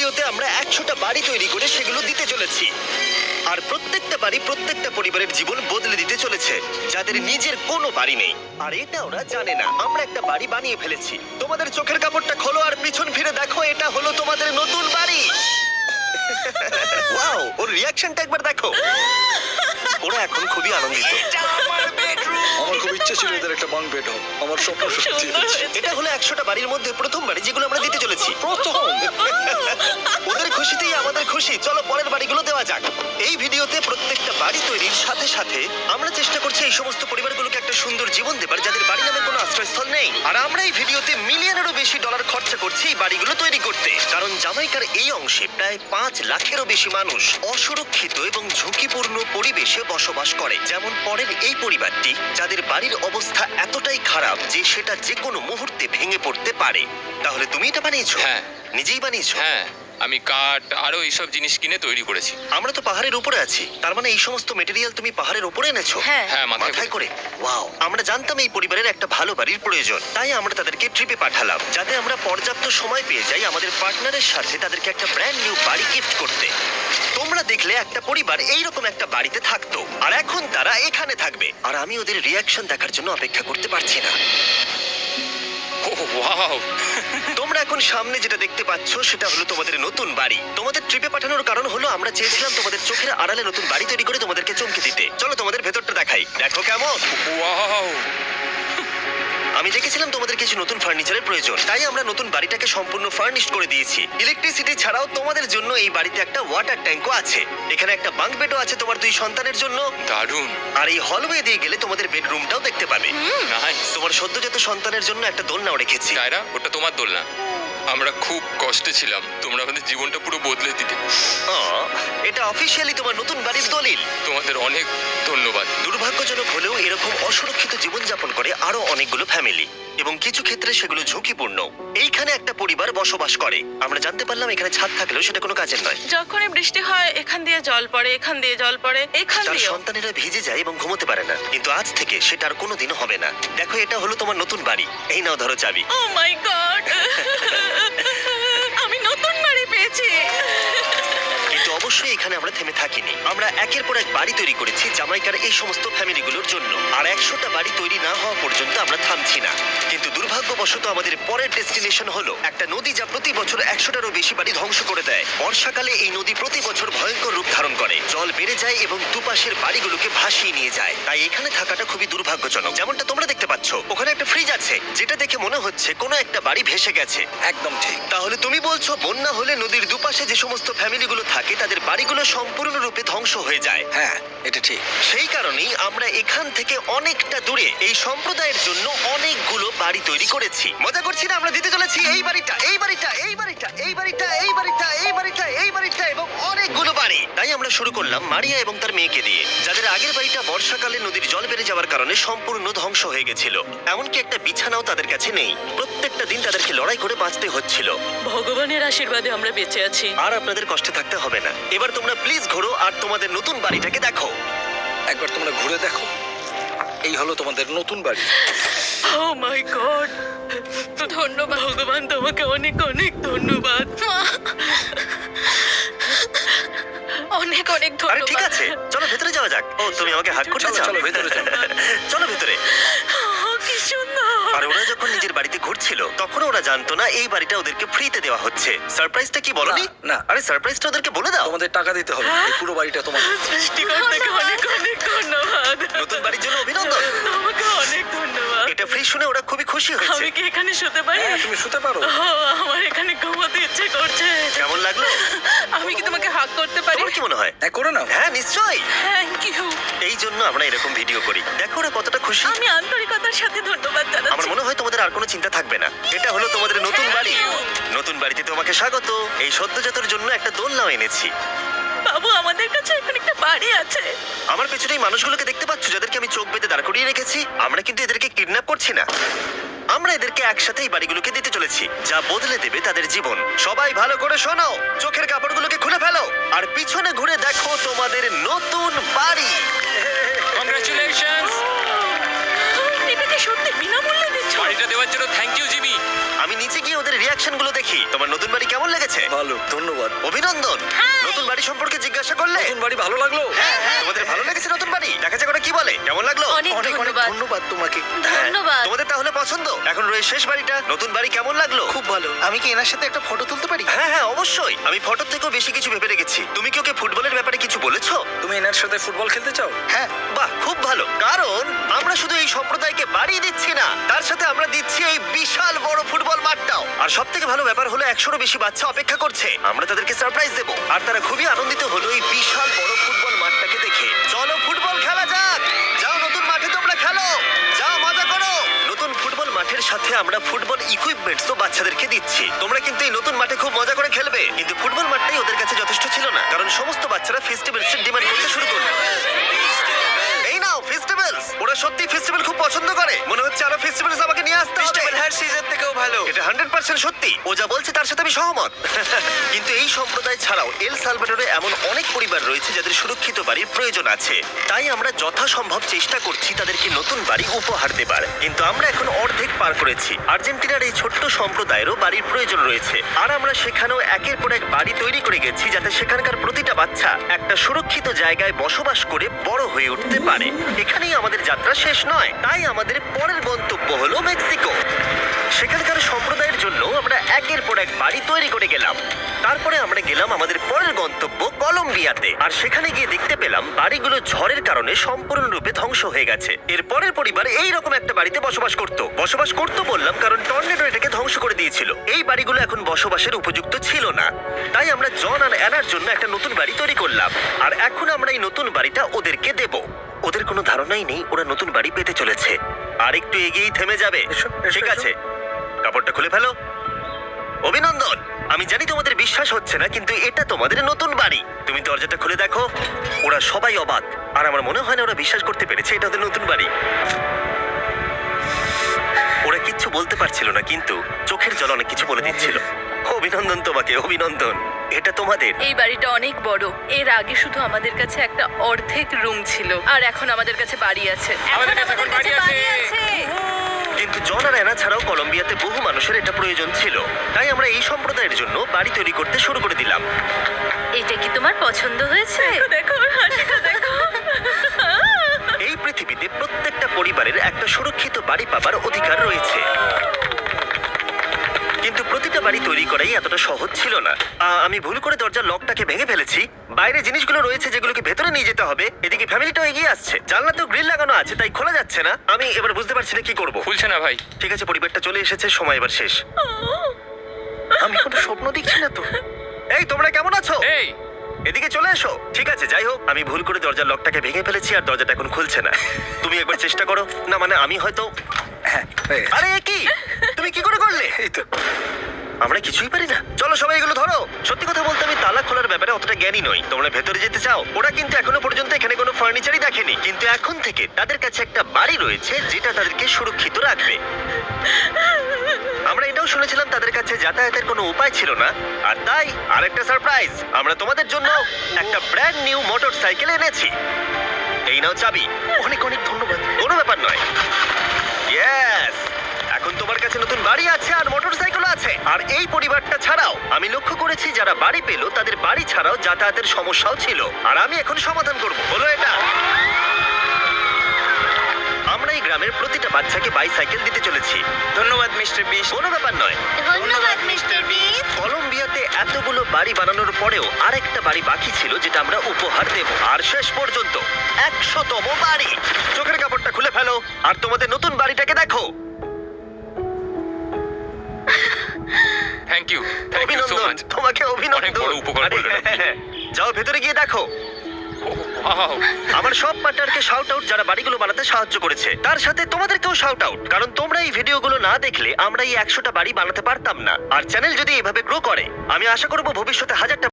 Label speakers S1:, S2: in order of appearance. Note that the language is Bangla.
S1: ভিডিওতে আমরা 100টা বাড়ি তৈরি করে সেগুলো দিতে চলেছি। আর প্রত্যেকটা বাড়ি প্রত্যেকটা পরিবারের জীবন বদলে দিতে চলেছে যাদের নিজের কোনো বাড়ি নেই। আর এটা ওরা জানে না আমরা একটা বাড়ি বানিয়ে ফেলেছি। তোমাদের চোখের কাপড়টা খোলো আর পিছন ফিরে দেখো, এটা হলো তোমাদের নতুন বাড়ি। ওয়াও, ওর রিঅ্যাকশনটা একবার দেখো। ওরা এখন খুবই আনন্দিত।
S2: আমার খুব ইচ্ছে ছিল এদের একটা বাঙ্ক বেড হোক। আমার স্বপ্ন সত্যি হয়েছে।
S1: এটা হলো 100টা বাড়ির মধ্যে প্রথম বাড়ি যেগুলো আমরা দিতে চলেছি। ওদের খুশিতেই আমাদের খুশি। চলো পরের বাড়িগুলো দেওয়া যাক। এই ভিডিওতে প্রত্যেকটা বাড়ি তৈরির সাথে সাথে আমরা চেষ্টা করছি এই সমস্ত পরিবারগুলোকে একটা সুন্দর জীবন দেবার যাদের বাড়ি নামে কোনো আশ্রয়স্থল নেই। আর আমরা এই ভিডিওতে মিলিয়নেরও বেশি ডলার খরচা করছি এই বাড়িগুলো তৈরি করতে, কারণ জামাইকার এই অংশে প্রায় 5 লাখেরও বেশি মানুষ অসুরক্ষিত এবং ঝুঁকিপূর্ণ পরিবেশে বসবাস করে। যেমন পরের এই পরিবারটি, যাদের বাড়ির অবস্থা এতটাই খারাপ যে সেটা যে কোনো মুহূর্তে ভেঙে পড়তে পারে। তাহলে তুমি এটা বানিয়েছো?
S3: হ্যাঁ।
S1: নিজেই বানিয়েছো?
S3: হ্যাঁ, আমি কাঠ আরো এইসব জিনিস কিনে তৈরি করেছি।
S1: আমরা তো পাহাড়ের উপরে আছি, তার মানে এই সমস্ত মেটেরিয়াল তুমি পাহাড়ের উপরে এনেছো?
S4: হ্যাঁ।
S3: হ্যাঁ,
S1: মাথায় করে। ওয়াও, আমরা জানতাম এই পরিবারের একটা ভালো বাড়ির প্রয়োজন, তাই আমরা তাদেরকে ট্রিপে পাঠালাম যাতে আমরা পর্যাপ্ত সময় পেয়ে যাই আমাদের পার্টনারের সাথে তাদেরকে একটা ব্র্যান্ড নিউ বাড়ি গিফট করতে। তোমরা দেখলে একটা পরিবার এইরকম একটা বাড়িতে থাকতো, আর এখন তারা এখানে থাকবে। আর আমি ওদের রিয়াকশন দেখার জন্য অপেক্ষা করতে পারছি না।
S3: ওহ ওয়াও,
S1: তোমরা এখন সামনে যেটা দেখতে পাচ্ছ সেটা হলো তোমাদের নতুন বাড়ি। তোমাদের ট্রিপে পাঠানোর কারণ হলো আমরা চেয়েছিলাম তোমাদের চোখের আড়ালে নতুন বাড়ি তৈরি করে তোমাদেরকে চমকে দিতে। চলো তোমাদের ভেতরটা দেখাই, দেখো কেমন।
S3: ওয়াও।
S1: আমি দেখেছিলাম তোমাদের কিছু নতুন ফার্নিচারের প্রয়োজন, তাই আমরা নতুন বাড়িটাকে সম্পূর্ণ ফার্নিশড করে দিয়েছি। ইলেকট্রিসিটি ছাড়াও তোমাদের জন্য এই বাড়িতে একটা ওয়াটার ট্যাঙ্কও আছে। এখানে একটা বাঙ্ক বেডও আছে তোমার 2 সন্তানের জন্য।
S3: দারুণ।
S1: আর এই হলওয়ে দিয়ে গেলে তোমাদের বেডরুমটাও দেখতে পাবে।
S3: নাইস।
S1: তোমার সদ্যজাত সন্তানের জন্য একটা দোলনাও রেখেছি।
S3: টায়রা, ওটা তোমার দোলনা। আমরা খুব কষ্টে ছিলাম, তোমরা আমাদের জীবনটা পুরো বদলে দিতে।
S1: এটা অফিসিয়ালি তোমার নতুন বাড়ির দলিল।
S3: তোমাদের অনেক ধন্যবাদ।
S1: দুর্ভাগ্যজনক হলেও এরকম অসুরক্ষিত জীবনযাপন করে আরো অনেকগুলো ফ্যামিলি, এবং কিছু ক্ষেত্রে সেগুলো ঝুঁকিপূর্ণ। এইখানে একটা পরিবার বসবাস করে। আমরা জানতে পারলাম এখানে ছাদ থাকলেও সেটা কোনো কাজের নয়।
S4: যখনই বৃষ্টি হয় এখান দিয়ে জল পড়ে, এখান দিয়ে জল পড়ে, এখান
S1: তার
S4: দিয়ে।
S1: সন্তানেরা ভিজে যায় এবং ঘুমোতে পারে না, কিন্তু আজ থেকে সেটা আর কোনোদিনও হবে না। দেখো, এটা হলো তোমার নতুন বাড়ি। এই নাও, ধরো চাবি।
S4: ও মাই গড, আমি নতুন বাড়ি পেয়েছি।
S1: কিন্তু অবশ্যই এখানে আমরা থেমে থাকিনি। আমরা একের পর এক বাড়ি তৈরি করেছি জামাইকার এই সমস্ত ফ্যামিলিগুলোর জন্য। আর 100টা বাড়ি তৈরি না হওয়া পর্যন্ত আমরা থামছি না। কিন্তু দুর্ভাগ্যবশত আমাদের পরের ডেস্টিনেশন হলো একটা নদী যা প্রতি বছর 100টারও বেশি বাড়ি ধ্বংস করে দেয়। বর্ষাকালে এই নদী প্রতি বছর ভয়ঙ্কর রূপ ধারণ করে, জল বেড়ে যায় এবং দুপাশের বাড়িগুলোকে ভাসিয়ে নিয়ে যায়। তাই এখানে থাকাটা খুবই দুর্ভাগ্যজনক। যেমনটা তোমরা দেখতে পাচ্ছ, ওখানে একটা ফ্রিজ আছে যেটা দেখে মনে হচ্ছে কোনো একটা বাড়ি ভেসে গেছে।
S2: একদম ঠিক।
S1: তাহলে তুমি বলছো বন্যা হলে নদীর দুপাশে যে সমস্ত ফ্যামিলিগুলো থাকে তাদের বাড়িগুলো সম্পূর্ণরূপে ধ্বংস হয়ে যায়।
S2: হ্যাঁ, এটা ঠিক।
S1: সেই কারণেই আমরা এখান থেকে অনেকটা দূরে এই সম্প্রদায়ের জন্য অনেকগুলো বাড়ি তৈরি করেছি। মজা করছি না? আমরা দিতে চলেছি এই বাড়িটা, এই বাড়িটা, এই বাড়িটা, এই বাড়িটা, এই বাড়িটা, এই বাড়িটা, এই বাড়িটা এবং অনেকগুলো বাড়ি। তাই আমরা শুরু করলাম মারিয়া এবং তার মেয়েকে দিয়ে, যাদের আগের বাড়িটা বর্ষাকালে নদীর জল বেড়ে যাওয়ার কারণে সম্পূর্ণ ধ্বংস হয়ে গেছিল। এমনকি একটা বিছানাও তাদের কাছে নেই। প্রত্যেকটা দিন তাদেরকে লড়াই করে বাঁচতে হচ্ছিল।
S4: ভগবানের আশীর্বাদে আমরা বেঁচে আছি।
S1: আর আপনাদের কষ্টে থাকতে হবে না। এবার তোমরা প্লিজ ঘোরো আর তোমাদের নতুন বাড়িটাকে দেখো।
S2: একবার তোমরা ঘুরে দেখো, এই হলো তোমাদের নতুন বাড়ি।
S4: ও মাই গড, ধন্যবাদ ভগবান, তোমাকে অনেক অনেক ধন্যবাদ। অনেক অনেক
S1: আরে ঠিক
S4: ধন্যবাদ।
S1: আছে, চলো ভেতরে যাওয়া যাক। ও, তুমি আমাকে হাত করতে
S2: চলো,
S1: চাও?
S2: চলো, ভেতরে চলো।
S1: চলো ভেতরে।
S4: ও, কি সুন্দর।
S1: আর ওরা যখন নিজের বাড়িতে ঘুরছিল তখন ওরা জানতো না এই বাড়িটা ওদেরকে ফ্রিতে দেওয়া হচ্ছে। সারপ্রাইজটা কি বলনি?
S2: না, না।
S1: আরে সারপ্রাইজটা ওদেরকে বলে দাও।
S2: তোমাদের টাকা দিতে হবে। এই পুরো বাড়িটা তোমার।
S4: সৃষ্টিকর্তাকে অনেক অনেক ধন্যবাদ।
S1: নতুন বাড়ির জন্য অভিনন্দন।
S4: তোমাকে অনেক ধন্যবাদ।
S1: এটা ফ্রি শুনে ওরা খুবই খুশি হয়েছে।
S4: আমি কি এখানে শুতে পারি?
S2: হ্যাঁ, তুমি শুতে পারো।
S4: ও, আমার এখানে ঘুমোতে ইচ্ছে করছে।
S1: কেমন লাগলো?
S4: আমি কি তোমাকে হাগ করতে পারি?
S1: তোমার কি মনে হয়?
S2: হ্যাঁ, করে নাও।
S1: হ্যাঁ, নিশ্চয়ই।
S4: Thank you.
S1: এই জন্য আমরা এরকম ভিডিও করি। দেখো ওরা কতটা খুশি।
S4: আমি আন্তরিকতার সাথে ধন্যবাদ
S1: আমার
S4: জানাচ্ছি।
S1: মনে হয় তোমাদের আর কোনো চিন্তা থাকবে না। এটা হলো তোমাদের নতুন বাড়ি। নতুন বাড়িতে তোমাকে স্বাগত। এই সদ্যজাতর জন্য একটা দোলনাও এনেছি।
S4: বাবু, আমাদের কাছে এখন একটা বাড়ি আছে।
S1: আমার পেছনে এই মানুষগুলোকে দেখতে পাচ্ছ যাদেরকে আমি চোখ বেঁধে দাঁড় করিয়ে রেখেছি? আমরা কিন্তু এদেরকে কিডন্যাপ করছি না। আমরা এদেরকে একসাথে এই বাড়িগুলোকে দিতে চলেছি, যা বদলে দেবে তাদের জীবন। সবাই ভালো করে শোনো, চোখের কাপড়গুলোকে খুলে ফেলো আর পিছনে ঘুরে দেখো তোমাদের নতুন বাড়ি।
S3: কংগ্রাচুলেশনস।
S4: এটা কি সত্যি বিনামূল্যে দিচ্ছ?
S3: বাড়িটা দেওয়ার জন্য থ্যাংক ইউ জিমি।
S1: আমি নিচে গিয়ে ওদের রিয়াকশন গুলো দেখি। তোমার নতুন বাড়ি কেমন লেগেছে?
S2: ভালো, ধন্যবাদ।
S1: অভিনন্দন। নতুন বাড়ি সম্পর্কে জিজ্ঞাসা করলে?
S2: নতুন বাড়ি ভালো লাগলো?
S1: তোমাদের ভালো লেগেছে নতুন বাড়ি? দেখা যাক ওরা কি বলে। কেমন লাগলো?
S4: অনেক
S2: অনেক অনেক
S4: ধন্যবাদ।
S2: ধন্যবাদ তোমাকে।
S1: হ্যাঁ,
S4: ধন্যবাদ।
S1: তোমাদের তাহলে পছন্দ? এখন রয়েছে শেষ বাড়িটা। নতুন বাড়ি কেমন লাগলো?
S2: খুব ভালো। আমি কি এনার সাথে একটা ফটো তুলতে পারি?
S1: হ্যাঁ হ্যাঁ অবশ্যই। আমি ফটোর থেকেও বেশি কিছু ভেবে রেখেছি। তুমি কি ওকে ফুটবলের ব্যাপারে কিছু বলেছো?
S2: তুমি এনার সাথে ফুটবল খেলতে চাও?
S1: হ্যাঁ। বাহ, খুব ভালো। কারণ আমরা শুধু এই সম্প্রদায়কে বাড়ি দিচ্ছি না, তার সাথে আমরা দিচ্ছি এই বিশাল বড় ফুটবল মাঠটাও। আর সব থেকে ভালো ব্যাপার হলো 100-রও বেশি বাচ্চা অপেক্ষা করছে। আমরা তাদেরকে সারপ্রাইজ দেবো, আর তারা খুবই আনন্দিত হলো এই বিশাল বড় ফুটবল মাঠটাকে দেখে। চলো ফুটবল খেলা যাক। যাও নতুন মাঠে তোমরা খেলো, যাও মজা করো। নতুন ফুটবল মাঠের সাথে আমরা ফুটবল ইকুইপমেন্টসও বাচ্চাদেরকে দিচ্ছি। তোমরা কিন্তু এই নতুন মাঠে খুব মজা করে খেলবে। কিন্তু ফুটবল মাঠটাই ওদের কাছে যথেষ্ট ছিল না, কারণ সমস্ত বাচ্চারা ফেস্টিভ্যালসের ডিমান্ড করতে শুরু করলো। এই নাও ফেস্টিভ্যালস। ওরা সত্যি ফেস্টিভ্যাল খুব পছন্দ করে। মনে হচ্ছে আরো ফেস্টিভ্যালস আমাকে নিয়ে আসতে হবে।
S2: হ্যার সিজন থেকেও ভালো।
S1: এটা 100% সত্যি। ও যা বলছে তার সাথে আমি সহমত। কিন্তু এই সম্প্রদায় ছাড়াও এল সালভাডোরে এমন অনেক পরিবার রয়েছে যাদের সুরক্ষিত বাড়ির প্রয়োজন আছে। তাই আমরা যথাসম্ভব চেষ্টা করছি তাদেরকে নতুন বাড়ি উপহার দেবার। কিন্তু আমরা এখন অর্ধেক পার করেছি। আর্জেন্টিনার এই ছোট্ট সম্প্রদায়েরও বাড়ির প্রয়োজন রয়েছে, আর আমরা সেখানেও একের পর এক বাড়ি তৈরি করে গেছি যাতে সেখানকার প্রতিটা বাচ্চা একটা সুরক্ষিত জায়গায় বসবাস করে বড় হয়ে উঠতে পারে। এখানেই আমাদের যাত্রা শেষ নয়, তাই আমাদের পরের গন্তব্য হলো মেক্সিকো। সেখানকার সম্প্রদায়ের জন্য আমরা একের পর এক বাড়ি তৈরি করে গেলাম। তারপরে আমরা গেলাম আমাদের পরের গন্তব্য কলম্বিয়াতে, আর সেখানে গিয়ে দেখতে পেলাম বাড়িগুলো ঝড়ের কারণে সম্পূর্ণরূপে ধ্বংস হয়ে গেছে। এর পরের পরিবার এইরকম একটা বাড়িতে বসবাস করতো বললাম কারণ টর্নেডো এটাকে ধ্বংস করে দিয়েছিল। এই বাড়িগুলো এখন বসবাসের উপযুক্ত ছিল না, তাই আমরা জন আর অ্যানার জন্য একটা নতুন বাড়ি তৈরি করলাম। আর এখন আমরা এই নতুন বাড়িটা ওদেরকে দেব। ওদের কোনো ধারণাই নেই ওরা নতুন বাড়ি পেতে চলেছে। আর একটু এগিয়েই থেমে যাবে।
S2: এসো,
S1: ঠিক
S2: এসো।
S1: আছে, কাপড়টা খুলে ফেলো। অভিনন্দন। আমি জানি তোমাদের বিশ্বাস হচ্ছে না, কিন্তু এটা তোমাদের নতুন বাড়ি। তুমি দরজাটা খুলে দেখো। ওরা সবাই অবাক, আর আমার মনে হয় না ওরা বিশ্বাস করতে পেরেছে এটা ওদের নতুন বাড়ি। ওরা কিচ্ছু বলতে পারছিল না, কিন্তু চোখের জল অনেক কিছু বলে দিচ্ছিল। অভিনন্দন তোমাকে, অভিনন্দন। এটা তোমাদের।
S4: এই বাড়িটা অনেক বড়। এর আগে শুধু আমাদের কাছে একটা অর্ধেক রুম ছিল, আর এখন আমাদের কাছে বাড়ি আছে।
S3: আমাদের কাছে এখন বাড়ি আছে।
S1: কিন্তু জন আর অ্যানা ছাড়াও কলম্বিয়াতে বহু মানুষের এটা প্রয়োজন ছিল, তাই আমরা এই সম্প্রদায়ের জন্য বাড়ি তৈরি করতে শুরু করে দিলাম।
S4: এটা কি তোমার পছন্দ হয়েছে? দেখো ওর হাসিটা দেখো।
S1: এই পৃথিবীতে প্রত্যেকটা পরিবারের একটা সুরক্ষিত বাড়ি পাবার অধিকার রয়েছে, কিন্তু প্রতিটা বাড়ি তৈরি করাই এতটা সহজ ছিল না। আমি ভুল করে দরজার লকটাকে ভেঙে ফেলেছি। বাইরে জিনিসগুলো রয়েছে যেগুলোকে ভেতরে নিয়ে যেতে হবে। এদিকে ফ্যামিলিটাও এগিয়ে আসছে। জানলাতেও গ্রিল লাগানো আছে, তাই খোলা যাচ্ছে না। আমি এবার বুঝতে পারছি না কি করব।
S3: খুলছে না ভাই।
S1: ঠিক আছে, পরিবারটা চলে এসেছে, সময় এবার শেষ। আমি কোনো স্বপ্ন দেখছি না তো। এই তোমরা কেমন আছো?
S3: এই
S1: এদিকে চলে এসো। ঠিক আছে, যাই হোক, আমি ভুল করে দরজার লকটাকে ভেঙে ফেলেছি আর দরজাটা এখন খুলছে না। তুমি একবার চেষ্টা করো না, মানে আমি হয়তো।
S2: হ্যাঁ, হয়ে গেছে।
S1: আরে এ কি, তুমি কি করে করলে?
S2: এই তো।
S1: আমরা কিছুই পারি না। চলো সবাই এগুলো ধরো। সত্যি কথা বলতে আমি তালা খোলার ব্যাপারে অতটা জ্ঞানী নই। তোমরা ভেতরে যেতে চাও? ওরা কিন্তু এখনো পর্যন্ত এখানে কোনো ফার্নিচারই দেখেনি, কিন্তু এখন থেকে তাদের কাছে একটা বাড়ি রয়েছে যেটা তাদেরকে সুরক্ষিত রাখবে। আমরা এটাও শুনেছিলাম তাদের কাছে যাতায়াতের কোনো উপায় ছিল না, আর তাই আরেকটা সারপ্রাইজ, আমরা তোমাদের জন্য একটা ব্র্যান্ড নিউ মোটরসাইকেল এনেছি। এই নাও চাবি।
S2: অনেক অনেক ধন্যবাদ।
S1: কোনো ব্যাপার নয়। ইয়েস, এখন তোমার কাছে নতুন বাড়ি আছে আর মোটরসাইকেল আছে। আর এই পরিবারটা ছাড়াও আমি লক্ষ্য করেছি যারা বাড়ি পেল তাদের বাড়ি ছাড়াও যাতায়াতের সমস্যাও ছিল, আর আমি এখন সমাধান করব। হলো এটা। আমরা এই গ্রামের প্রতিটা বাচ্চাকে বাইসাইকেল দিতে চলেছি।
S2: ধন্যবাদ মিস্টার বিশ।
S1: কোনো ব্যাপার নয়।
S4: ধন্যবাদ মিস্টার বিস।
S1: কলম্বিয়াতে এতগুলো বাড়ি বানানোর পরেও আরেকটা বাড়ি বাকি ছিল যেটা আমরা উপহার দেব। আর শেষ পর্যন্ত 100তম বাড়ি। চোখের কাপড়টা খুলে ফেলো আর তোমাদের নতুন বাড়িটাকে দেখো।
S3: থ্যাংক ইউ সো
S1: অভিনন্দন,
S3: মাচ।
S1: তোমাকে
S3: অনেক
S1: অভিনন্দন।
S3: বড় উপকার
S1: আরে,
S3: করলেন আপনি।
S1: যাও ভেতরে গিয়ে দেখো।
S3: ওয়াও
S1: আমার সব পার্টনারকে শাউট আউট যারা বাড়িগুলো বানাতে সাহায্য করেছে। তার সাথে তোমাদেরকেও শাউট আউট, কারণ তোমরা এই ভিডিওগুলো না দেখলে আমরা এই 100টা বাড়ি বানাতে পারতাম না। আর চ্যানেল যদি এভাবে গ্রো করে, আমি আশা করব ভবিষ্যতে 1000টা